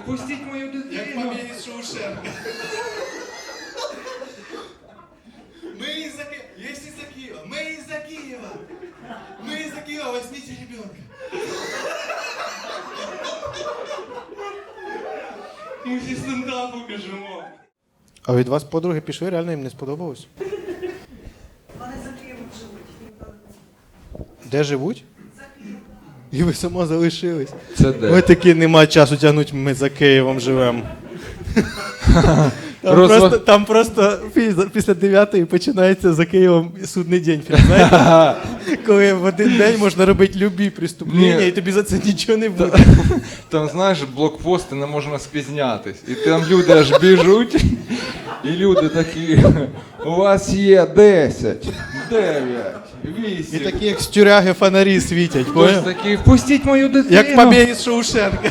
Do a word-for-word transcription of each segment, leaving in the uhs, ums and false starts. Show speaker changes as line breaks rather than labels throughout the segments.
Пустіть мою дитину.
Як побєд із Шоушенка. Мы из-за Киева. Есть из-за Киева. Мы из-за Киева. Мы из-за Киева. Возьмите ребенка.
Ми зі стендапу біжимо.
А від вас подруги пішли, реально їм не сподобалось?
Вони за Києвом живуть.
Де живуть? І ви сама залишились.
Це де?
Ой, таки нема часу тягнути, ми за Києвом живемо. Там,
Розва-
просто, там просто пі- після дев'ятої починається за Києвом судний день. Знаєте? Коли в один день можна робити любі преступлення,
Ні.
і тобі за це нічого не буде.
Там, знаєш, блокпости, не можна спізнятись. І там люди аж біжуть, і люди такі, у вас є десять, дев'ять,
І
вісім.
такі, як з тюряги фонарі світять,
Хтось
поняв?
такий, впустіть мою дитину.
Як побіг із Шоушенка.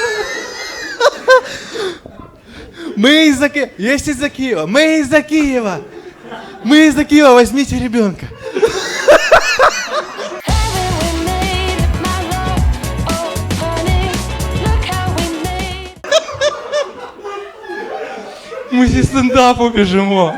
Мы из-за Киева. Есть из-за Киева. Мы из-за Киева. Мы из-за Киева. Возьмите ребенка.
Ми зі стендапу біжимо.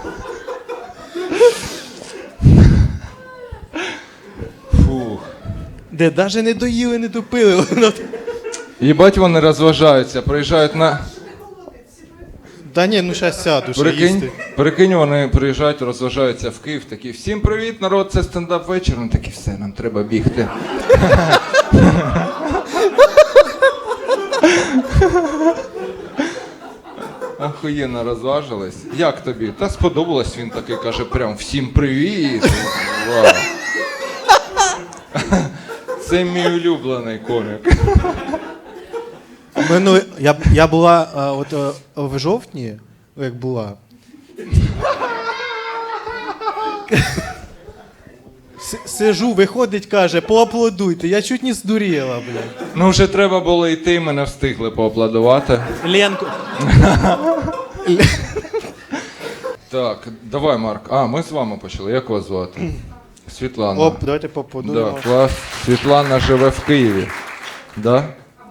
Фух.
Де навіть не доїли, не допили. Воно-
Їбать, вони розважаються, приїжджають на...
Та ні, ну зараз сяду, ще
Прикинь,
їсти.
прикинь, вони приїжджають, розважаються в Київ, такі, всім привіт, народ, це стендап вечір. Вони такі, все, нам треба бігти. Охуєнно розважились. Як тобі? Та сподобалось, він такий каже, прям всім привіт. Вау. Це мій улюблений комік.
Мене, я, я була а, от, а, в жовтні, як була. С- Сижу, виходить, каже, поаплодуйте. Я чуть не здуріла, блядь.
Ну вже треба було йти, ми не встигли поаплодувати.
Ленку.
Так, давай, Марк. А, ми з вами почали. Як вас звати? Світлана.
Оп, давайте
Да,
поаплодуємо.
клас. Світлана живе в Києві. Да?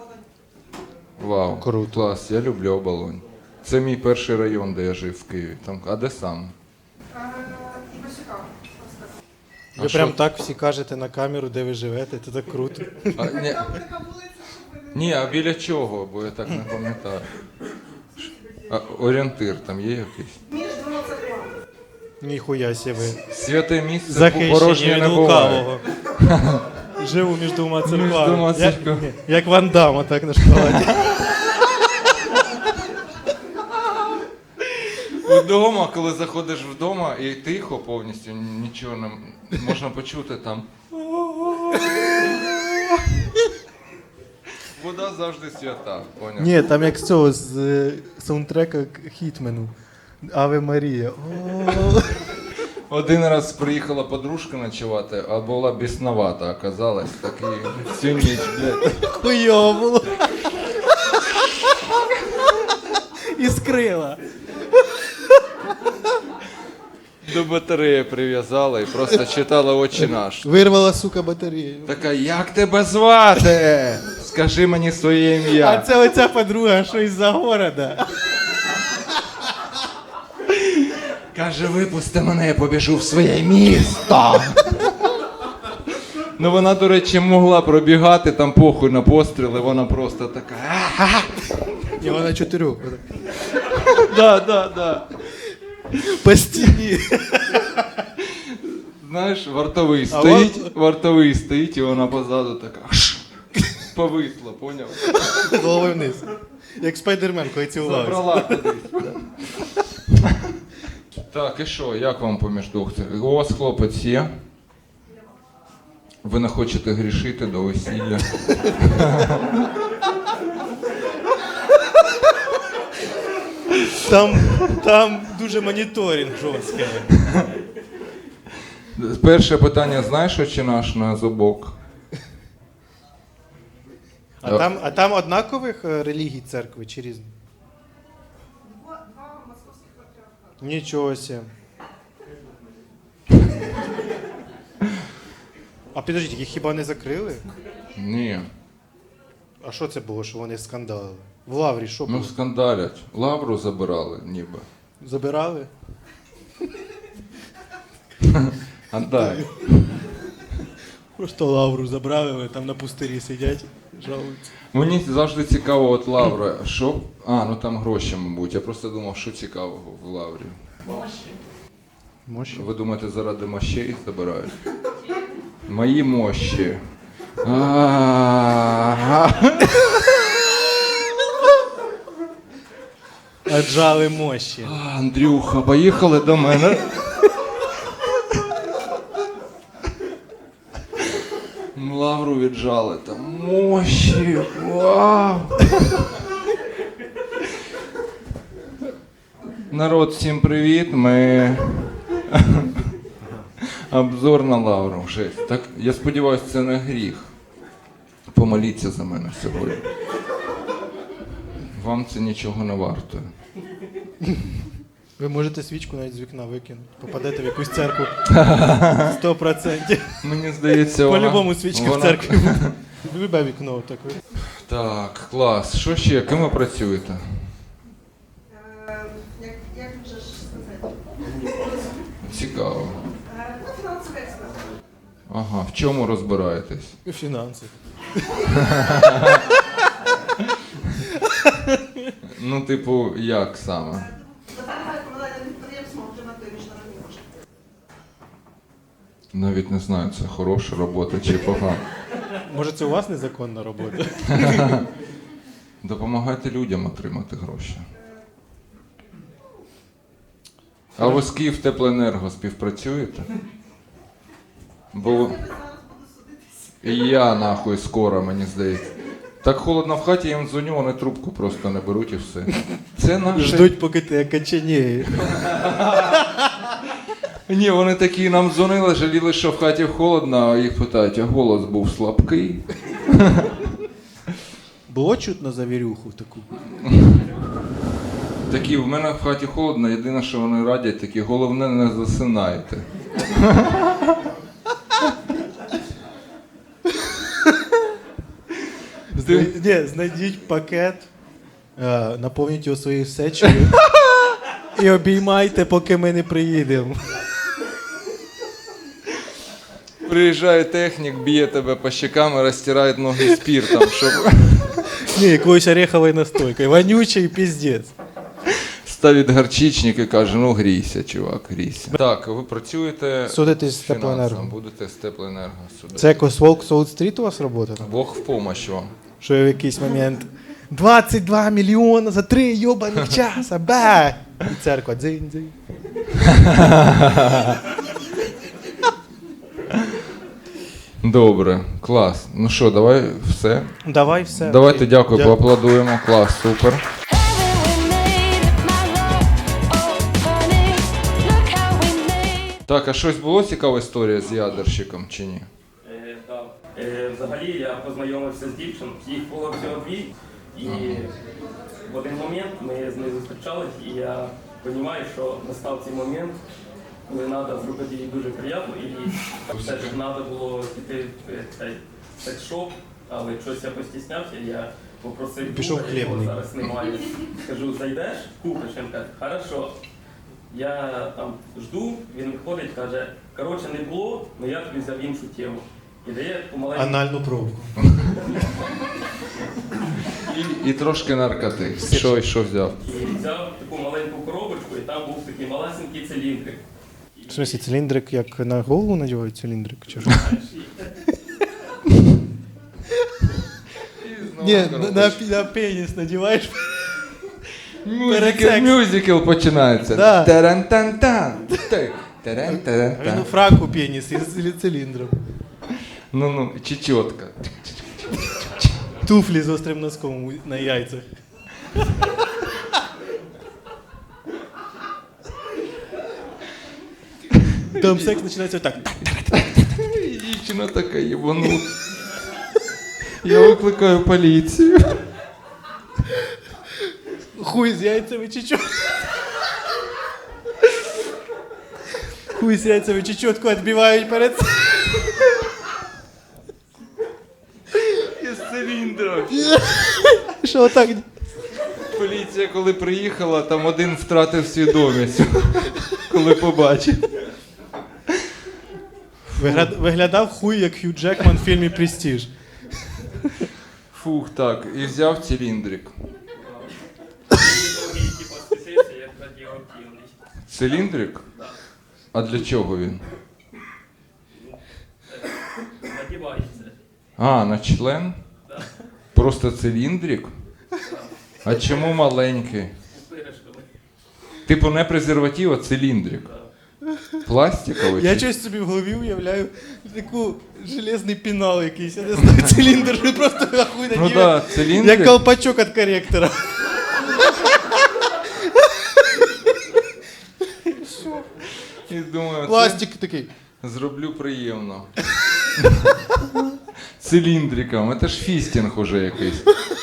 Вау,
Круто.
клас, я люблю Оболонь. Це мій перший район, де я жив в Києві. Там, а де саме?
Ви
А
прям
що?
так всі кажете на камеру, де ви живете, це так круто.
А, ні. Ні, а біля чого, бо я так не пам'ятаю. А, орієнтир там є якийсь?
Між двома церквами.
Ніхуя сі ви.
Святе місце
Захищені
порожнє
від
не буває.
лукавого. Живу між двома
Між
церквами.
двома
Як,
церквами.
як Ван Дамма, так на шоколаді.
Вдома, коли заходиш вдома і тихо повністю, нічого не можна почути там. Вода завжди свята, поняв?
Ні, там як з цього, з е, саундтрека к Хітмену. Аве Марія. О.
Один раз приїхала подружка ночувати, а була бісновата, оказалась. Такий всю ніч, блядь.
Хуйово було. І скрила.
До батареї прив'язала і просто читала «Отче наш».
Вирвала, сука, батарею.
Така, як тебе звати? Скажи мені своє
А
ім'я.
це оця подруга, що із-за города.
Каже, випусти мене, я побіжу в своє місто. Ну вона, до речі, могла пробігати, там похуй на постріли, вона просто така. «Ага».
І вона чотирьох.
Да, да, да.
По стіні.
Знаєш, вартовий
А
стоїть,
вон-
вартовий стоїть, і вона позаду така. «Ш». Повисла, поняв?
Головою вниз. Як Спайдермен, коли цілувався.
Забрала кудись. Так, і що, як вам поміж двох цих? У вас хлопець є? Ви не хочете грішити до весілля?
Там, там дуже моніторинг жорсткий.
Перше питання, знаєш, «Отче наш» на зубок?
А там, а там однакових е, релігій церкви чи різні?
Два, два московських патріархати.
Нічого сі. А підождіть, їх хіба не закрили?
Ні.
А що це було, що вони скандалили? В Лаврі що
Ну,
було?
скандалять. Лавру забирали, ніби.
Забирали?
Отдай.
Просто Лавру забрали, вони там на пустирі сидять, жалуються.
Мені завжди цікаво, от Лавра, що. А, ну там гроші, мабуть. Я просто думав, що цікавого в Лаврі.
Мощі?
Ви думаєте, заради мощей забирають? Мої мощі. А-а-а.
Аджали мощі.
Андрюха, поїхали до мене. Лавру віджали там. Мощі. Вау. Народ, всім привіт. Ми обзор на Лавру. Жесть. Так, я сподіваюся, це не гріх. Помоліться за мене сьогодні. Вам це нічого не вартує.
Ви можете свічку навіть з вікна викинути. Попадете в якусь церкву. Сто процентів.
Мені здається, вона...
По-любому свічка
вона-
в церкві. Любе вікно так.
Так, клас. Що ще? Ким ви працюєте?
Е, Як, як вже ж сказати?
Цікаво.
Е, Ну, фінансовий експерт.
Ага, в чому розбираєтесь?
Фінанси.
Ну, типу, як саме?
Допомагає комунальним підприємствам отримати міжнародні кошти.
Навіть не знаю, це хороша робота чи погана.
Може це у вас незаконна робота?
Допомагайте людям отримати гроші. А ви з Київтеплоенерго співпрацюєте? Бо
Я зараз буду судитися.
і я нахуй скоро, мені здається. Так холодно в хаті, я їм дзвоню, вони трубку просто не беруть і все. Це наше...
Ждуть, поки ти окоченіє.
Ні, вони такі нам дзвонили, жаліли, що в хаті холодно, а їх питають, а голос був слабкий.
Було чутно завірюху таку?
Такі, в мене в хаті холодно, єдине, що вони радять, такі, головне, не засинайте.
Зна- Ні, знайдіть пакет, е, наповніть його своєю сечею і обіймайте, поки ми не приїдемо.
Приїжджає технік, б'є тебе по щекам і розтирає ноги спіртом, щоб
Ні, якоюсь ореховою настойкою. Вонючий піздець.
ставить гарчичник і каже, ну грійся, чувак, грійся. Так, ви працюєте
Судитесь з
фінансово,
теплоенерго.
будете з теплоенерго судити.
Це якось Волк Солт-стріт у вас робота?
Бог в помощь вам.
Що в якийсь момент двадцять два мільйони за три йобаних часа, ба! І церква дзинь-дзинь.
Добре, клас. Ну що, давай все.
Давай все.
Давайте дякую,
Дя-
поаплодуємо. Клас, супер. Так, а щось було цікава історія з ядерщиком чи ні?
Е, так. Е, взагалі я познайомився з дівчиною, їх було всього дві, і в один момент ми з нею зустрічались, і я розумію, що настав цей момент, коли треба зробити їй дуже приємно, і все ж треба було піти в е, цей секс-шоп, але щось я постіснявся, я попросив
Пішов
друга, його
хлібний.
зараз немає. Кажу, зайдеш, купиш, він каже, хорошо. Я там жду, він виходить, каже, коротше, не було, але я тобі взяв іншу тему. І дає помаленьку.
Анальну пробку.
І, і трошки наркоти. Що, що взяв?
І взяв таку маленьку коробочку, і там був такий малесенький циліндрик.
В смысле, циліндрик як на голову надівають циліндрик? Чи що? Ні, на, на, на пеніс надіваєш.
Мюзикл,
секс.
мюзикл починається.
Да.
Таран-тан-тан. Так,
А він
таран-таран-тан.
у фраку пеніс із циліндром.
Ну-ну, чечотка.
Туфлі з острим носком на яйцях. Там секс починається так.
І дівчина така єбанута. Я викликаю поліцію.
Хуй з яйцями чи чо? Хуй з яйцями чи чітко відбивають перед цим.
Із циліндром.
Що так?
Поліція, коли приїхала, там один втратив свідомість, коли побачив.
Вигля- Виглядав хуй, як Хью Джекман в фільмі Престиж.
Фух, так, і взяв циліндрик.
Другий типу специфікації як радіоактивний.
Циліндрик? А для чого він?
Надівається.
А, на член?
Да.
Просто циліндрик? А чому маленький?
З пиріжками.
Типу не презерватив, а циліндрик. Пластиковий?
Я
чи-
щось собі в голові уявляю таку железний пінал якийсь, я не знаю, циліндр, що просто хуй
Ну
надів,
да, циліндрик.
як колпачок від коректора.
І думаю, це
Пластик такий.
зроблю приємно. Циліндриком, це ж фістінг уже якийсь.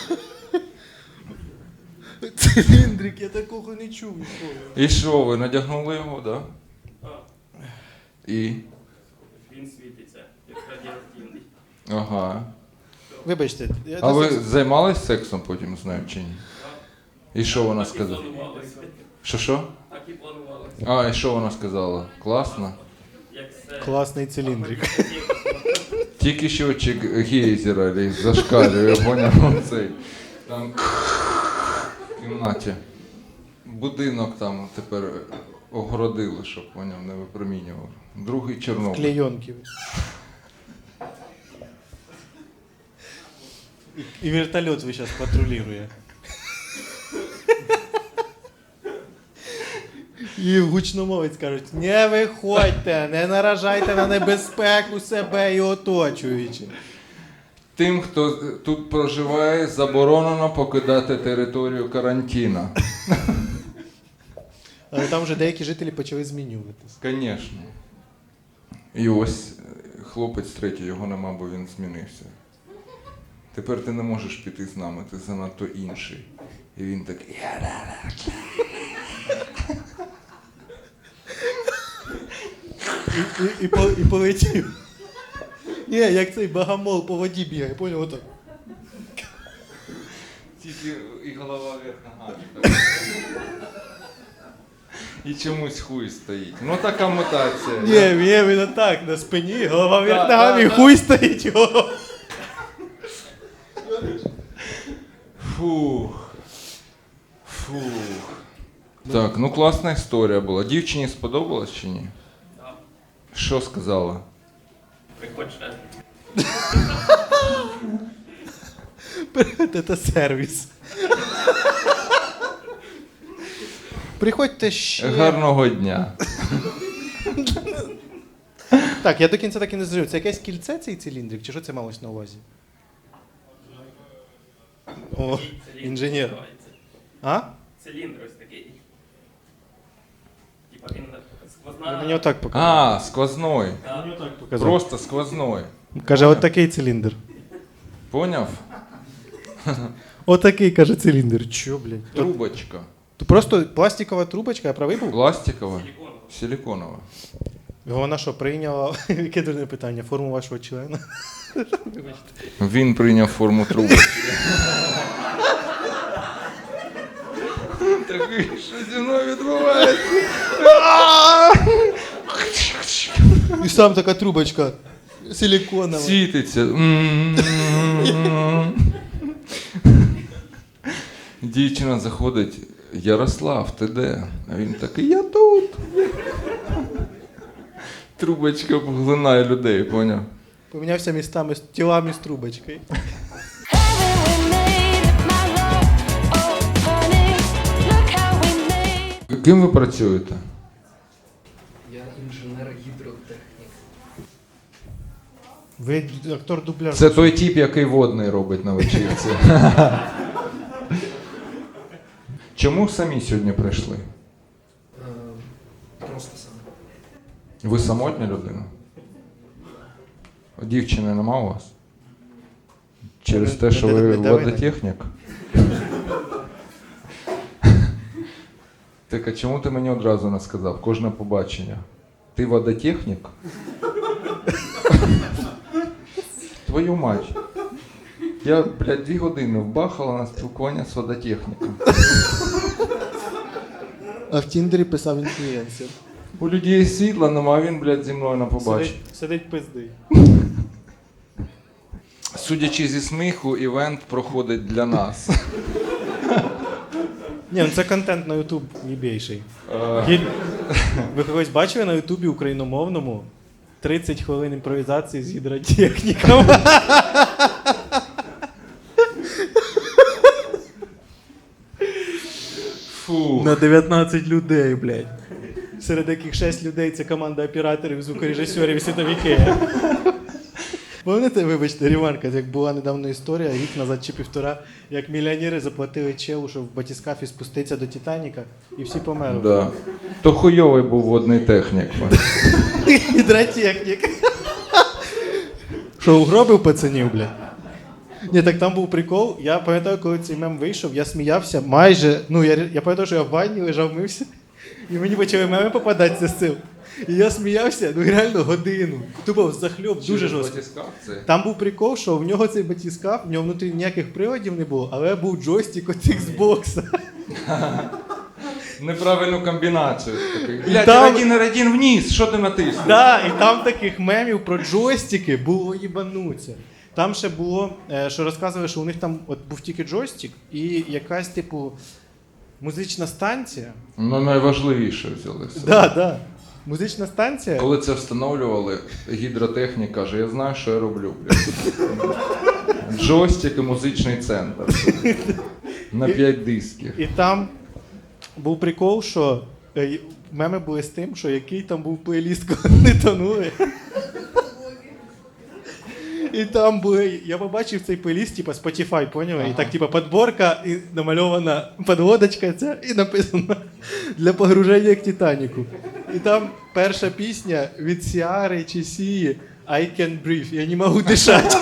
Циліндрик, я такого не чув ніколи.
І що, ви надягнули його, да?
А,
І?
він світиться, як радіоактивний.
Ага.
Вибачте, я
А ви
досить-
займались сексом потім з нею чи ні? І що вона
Так і
сказала?
планувалося.
Що що?
Так і планувалося.
А, і що вона сказала? Класно?
Як все.
Класний циліндрик.
Тільки щочик гейзера зашкалює, поняв цей. Там в кімнаті. Будинок там тепер огородили, щоб поняв, не випромінював. Другий Чорнобиль.
Клейонки. І, і вертольот ви зараз патрулює. І гучномовець кажуть, не виходьте, не наражайте на небезпеку себе і оточуючих.
Тим, хто тут проживає, заборонено покидати територію карантину.
Але там вже деякі жителі почали змінюватися.
Звісно. І ось е, хлопець третій, його нема, бо він змінився. Тепер ти не можеш піти з нами, ти занадто інший. І він такий.
І, і, і, по- і полетів. Ні, як цей богомол по воді бігає, поняв, отак.
Тільки і голова вверх ногами. І чомусь хуй стоїть. Ну така мутація.
Ні, ні, він отак, на спині, голова вверх
Да,
ногами,
да,
і
да.
хуй стоїть його.
Фух. Фух. Так, ну класна історія була. Дівчині сподобалось чи ні?
Так,
Що сказала?
приходь ще.
Це сервіс. Приходьте ще.
Гарного дня.
Так, я до кінця так і не зрозумів. Це якесь кільце цей циліндрик, чи що це малось на увазі? О,
Циліндр
інженер.
називається.
А?
Циліндр ось такий. Типа він
Ви
сквозна.
мені отак показали.
А, сквозной.
Да.
Показав.
Просто сквозной.
Каже, от такий циліндр.
Поняв?
Отакий, каже, циліндр. Чо, блядь? То,
Трубочка.
то просто пластикова трубочка, я правий був?
Пластикова?
Силіконова.
Силиконова.
Вона що, прийняла, яке дурне питання, форму вашого члена?
Він прийняв форму трубочки. Такий, що зі мною відбувається?
І сам така трубочка силіконова.
Світиться. М-м-м. Дівчина заходить. Ярослав, ти де? А він такий, я тут. Трубочка поглинає людей, поняв?
Помінявся містами з тілами з трубочкою.
Ким ви працюєте?
Я інженер-гідротехнік.
Ви актор дубляжу.
Це той тип, який водний робить на вечірці. Чому самі сьогодні прийшли?
Е, Просто сам.
Ви самотня людина? Дівчини нема у вас? Через те, що ви
Не дави на-
водотехнік? Так, а чому ти мені одразу не сказав? Кожне побачення. Ти водотехнік? Твою мать. Я, блядь, дві години вбахала на спілкування з водотехніком.
А в Тіндері писав інфлюенсер.
У людей світла нема, а він, блядь, зі мною на побачення.
Сидить, сидить пиздий.
Судячи зі сміху, івент проходить для нас.
Ні, ну це контент на Ютуб єбейший. Гіль- Ви когось бачили на Ютубі україномовному тридцять хвилин імпровізації з гідротехніком?
Фу.
На дев'ятнадцять людей, блядь. Серед яких шість людей це команда операторів, звукорежисерів і світовики. Пам'ятаєте, вибачте, ремарка, як була недавно історія, рік назад чи півтора, як мільйонери заплатили челу, щоб в батіскафі спуститися до Титаніка, і всі померли.
Да. То хуйовий був водний технік.
Гідротехнік. Що, угробив пацанів, блядь? Ні, так там був прикол. Я пам'ятаю, коли цей мем вийшов, я сміявся майже. Ну, я, я пам'ятаю, що я в ванні лежав, мився, і мені почали меми попадатися з цим. І я сміявся, ну реально годину. Тупо захльоп, дуже жорстко. Там був прикол, що в нього цей батіскаф, в нього внутрі ніяких приладів не було, але був джойстик від Xbox.
Неправильну комбінацію. Такий. Блядь,
там-
радін, радін вниз, що ти натиснув?
Да, і там таких мемів про джойстики було їбануться. Там ще було, е, що розказували, що у них там от був тільки джойстик і якась, типу, музична станція.
Ну, найважливіше взяли. все.
Да, да. Музична станція.
Коли це встановлювали, гідротехнік каже, я знаю, що я роблю. Блядь. Джойстик і музичний центр. На п'ять дисків.
І там був прикол, що е, меми були з тим, що який там був плейліст, коли вони тонули. І там були, я побачив цей плейліст, типа Spotify, поняли?
Ага.
І так, типа, подборка, і намальована подводочка ця, і написано для погруження к Титаніку. І там перша пісня від Сіари чи Сії I can breathe, я не можу дишати.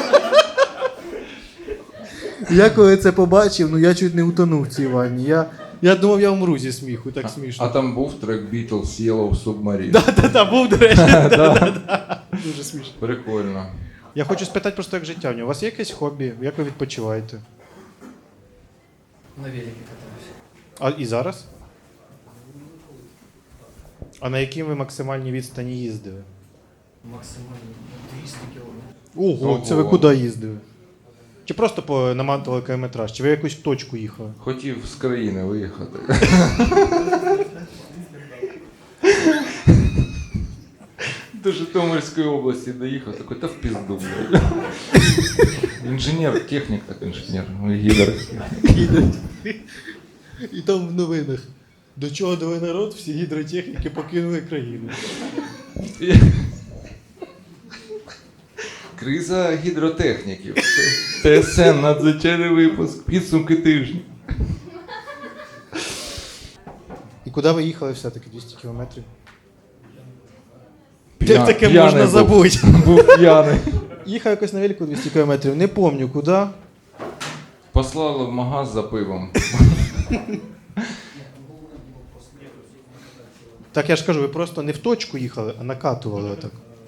Я коли це побачив, ну я чуть не утонув в цій ванні. Я, я думав, я умру зі сміху, так смішно.
А там був трек Beatles Yellow Submarine.
Да-да-да, був, до речі. Да-да-да. Дуже смішно.
Прикольно.
Я хочу спитати просто, як життя в нього. У вас є якесь хобі? Як ви відпочиваєте?
На велике катаюсь.
А і зараз? А на якій ви максимальній відстані їздили?
Максимально двісті кілометрів.
Ого,
Ого.
це ви куди їздили? Чи просто по наматували кілометраж? Чи ви в якусь точку їхали?
Хотів з країни виїхати. До Житомирської області доїхав, такий, та в пізду. блядь. Інженер, технік так інженер, ну, гідр.
І там в новинах. До чого довели народ, всі гідротехніки покинули країну.
Криза гідротехніків. ТСН, надзвичайний випуск, підсумки тижня.
І куди ви їхали все-таки двісті кілометрів?
П'я-
Як таке
п'яний
можна
був.
забути?
Був п'яний.
Їхав якось на велику двісті кілометрів, не пам'ятаю куди.
Послали в магаз за пивом.
Так я ж кажу, ви просто не в точку їхали, а накатували отак.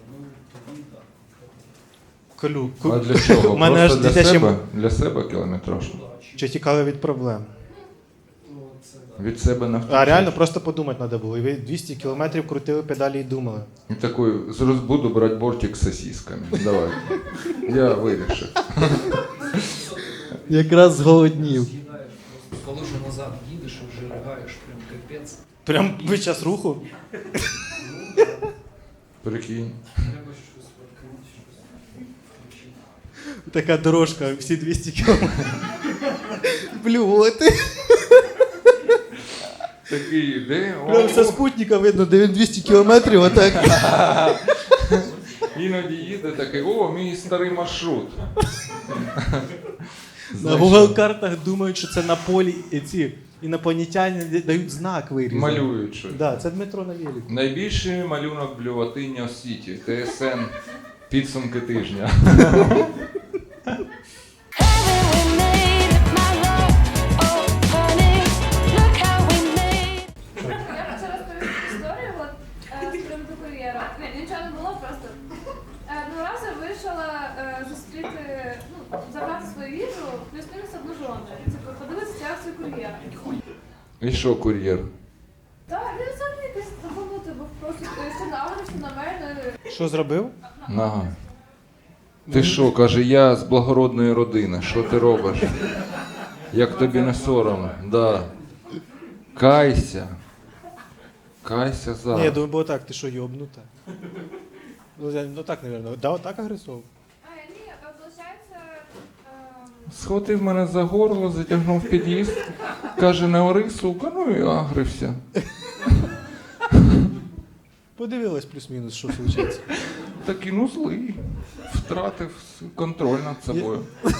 Колю. ку-
А для чого?
У мене аж
Просто для
дитячим-
себе? Для себе кілометраж.
Чи тікали від проблем?
Від себе не
А реально просто подумати треба було. І ви двісті кілометрів крутили педалі і думали.
І такий, зараз буду брати бортик з сосисками. Давай. Я вирішив.
Якраз зголоднів.
З'їдаєш просто. Коли вже назад їдеш і вже ригаєш, прям капець.
Прям під час руху.
Прикинь.
Треба щось відкрити, щось.
Така дорожка, всі двісті кілометрів. Блювоти.
Такий, де?
Прям со спутника видно, де він двісті кілометрів, а так.
Іноді їде такий, о, мій старий маршрут.
На
Знаєш,
Google картах думають, що це на полі і ці інопланетяни дають знак вирізаний.
малюють щось.
Да, це Дмитро на велику.
Найбільший малюнок блюватині у світі. ТСН. Підсумки тижня.
Я хочу розповісти історію от, е, з приводу кур'єра. Ні, нічого не було, просто е, одного разу вирішила е, зустріти, ну, забрати кур'єр.
І що, кур'єр?
Так, він взагалі якийсь забанутий був просто, він нагрився на мене.
Що зробив?
Ага. Ти що, каже, я з благородної родини, що ти робиш? Як тобі не соромно? Да. Кайся. Кайся
Ні, я
зараз.
думаю, бо так, ти що, йобнута? Ну, я- ну так, мабуть. Да, так агресов.
А, ні, виходить, ем,
Схватив мене за горло, затягнув в під'їзд. Каже, не ори, сука, ну і агрився.
Подивилась плюс-мінус, що случиться.
Такий, ну злий. Втратив контроль над собою.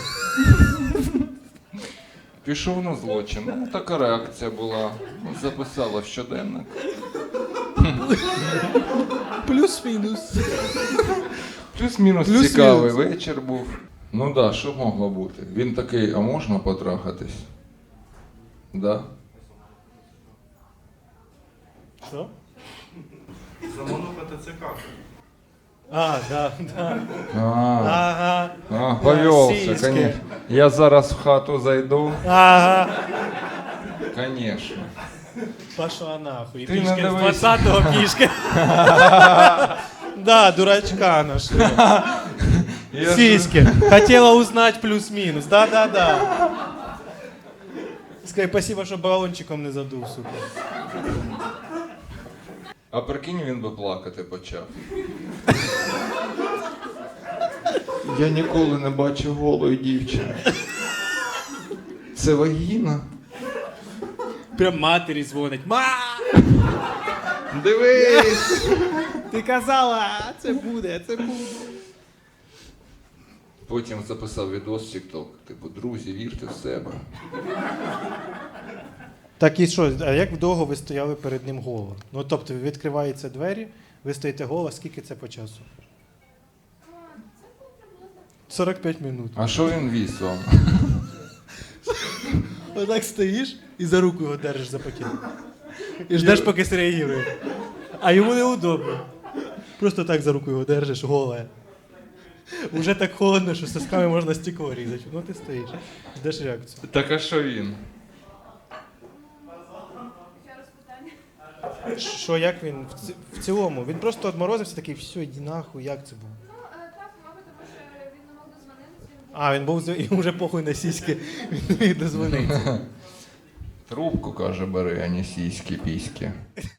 Пішов на злочин. Ну, така реакція була. Записала в щоденник.
Плюс-мінус.
Плюс-мінус
Плюс-мінус.
цікавий вечір був. Ну да, що могло бути? Він такий, а можна потрахатись? Да?
Що?
Замануха ТЦК.
А, да, да.
А,
Ага.
а повелся,
Сіськи.
конечно. Я зараз в хату зайду.
Ага.
Конечно.
Пошла нахуй.
Ти не
Пішки з
дивись.
двадцятого пішки. Да, дурачка нашли.
Я ж-
Сиськи. Хотела узнать плюс-минус. Да-да-да. Скажи, спасибо, що балончиком не задув, сука.
А прикинь, він би плакати почав. Я ніколи не бачив голої дівчини. Це вагіна.
Прям матері дзвонить. Ма!
Дивись!
Ти казала, це буде, це буде.
Потім записав відос в TikTok. Типу, друзі, вірте в себе.
Так і що, а як довго ви стояли перед ним голо? Ну, тобто, відкриваються двері, ви стоїте голо, скільки це по часу? сорок п'ять минут.
А що він віз вам?
Отак стоїш і за руку його держиш за пакет. І ждеш, поки среагує. А йому неудобно. Просто так за руку його держиш, голе. Уже так холодно, що сосками можна стекло різати. Ну ти стоїш, ждеш реакцію.
Так а що він?
ще раз питання.
Що, як він в, ці- в цілому? Він просто одморозився такий, все, іди нахуй, як це було?
Ну, е, так, мабуть, тому що він не мог дозвонитися, він був.
А, він був з- йому вже похуй на сіськи, він не міг дозвонитися.
Трубку, каже, бери, а не сіськи, піськи.